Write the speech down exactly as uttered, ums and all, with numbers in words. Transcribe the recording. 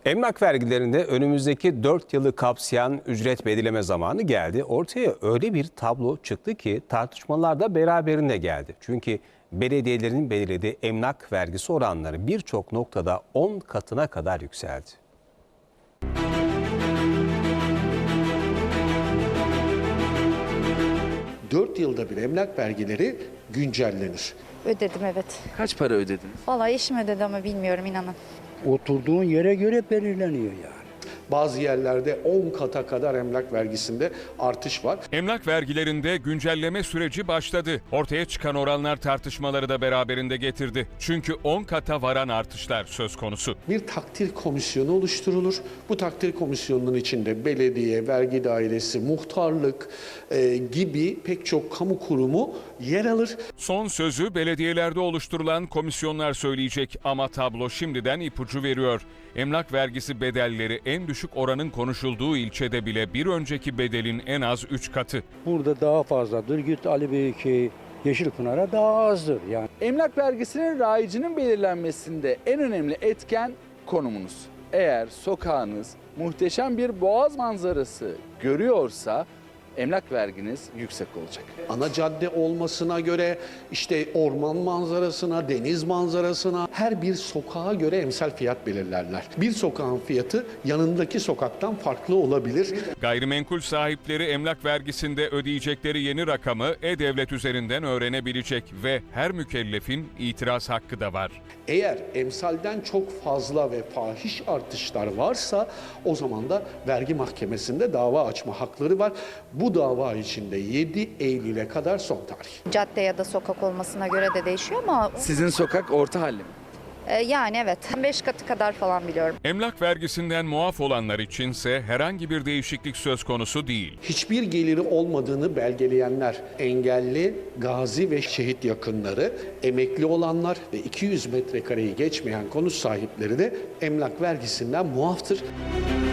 Emlak vergilerinde önümüzdeki dört yılı kapsayan ücret belirleme zamanı geldi. Ortaya öyle bir tablo çıktı ki tartışmalar da beraberinde geldi. Çünkü belediyelerin belirlediği emlak vergisi oranları birçok noktada on katına kadar yükseldi. dört yılda bir emlak vergileri güncellenir. Ödedim, evet. Kaç para ödediniz? Vallahi eşim ödedi ama bilmiyorum, inanın. Oturduğun yere göre belirleniyor yani. Bazı yerlerde on kata kadar emlak vergisinde artış var. Emlak vergilerinde güncelleme süreci başladı. Ortaya çıkan oranlar tartışmaları da beraberinde getirdi. Çünkü on kata varan artışlar söz konusu. Bir takdir komisyonu oluşturulur. Bu takdir komisyonunun içinde belediye, vergi dairesi, muhtarlık e, gibi pek çok kamu kurumu yer alır. Son sözü belediyelerde oluşturulan komisyonlar söyleyecek ama tablo şimdiden ipucu veriyor. Emlak vergisi bedelleri en düşük oranın konuşulduğu ilçede bile bir önceki bedelin en az üç katı. Burada daha fazladır. Git Ali Bey'e, Yeşilpınar'a daha azdır yani. Emlak vergisinin rayicinin belirlenmesinde en önemli etken konumunuz. Eğer sokağınız muhteşem bir boğaz manzarası görüyorsa emlak verginiz yüksek olacak. Ana cadde olmasına göre, işte orman manzarasına, deniz manzarasına, her bir sokağa göre emsal fiyat belirlerler. Bir sokağın fiyatı yanındaki sokaktan farklı olabilir. Gayrimenkul sahipleri emlak vergisinde ödeyecekleri yeni rakamı E-Devlet üzerinden öğrenebilecek ve her mükellefin itiraz hakkı da var. Eğer emsalden çok fazla ve fahiş artışlar varsa o zaman da vergi mahkemesinde dava açma hakları var. Bu dava içinde yedi Eylül'e kadar son tarih. Cadde ya da sokak olmasına göre de değişiyor ama Sizin sokak orta halli mi? e, yani evet, beş katı kadar falan biliyorum. Emlak vergisinden muaf olanlar içinse herhangi bir değişiklik söz konusu değil. Hiçbir geliri olmadığını belgeleyenler, engelli, gazi ve şehit yakınları, emekli olanlar ve iki yüz metrekareyi geçmeyen konut sahipleri de emlak vergisinden muaftır.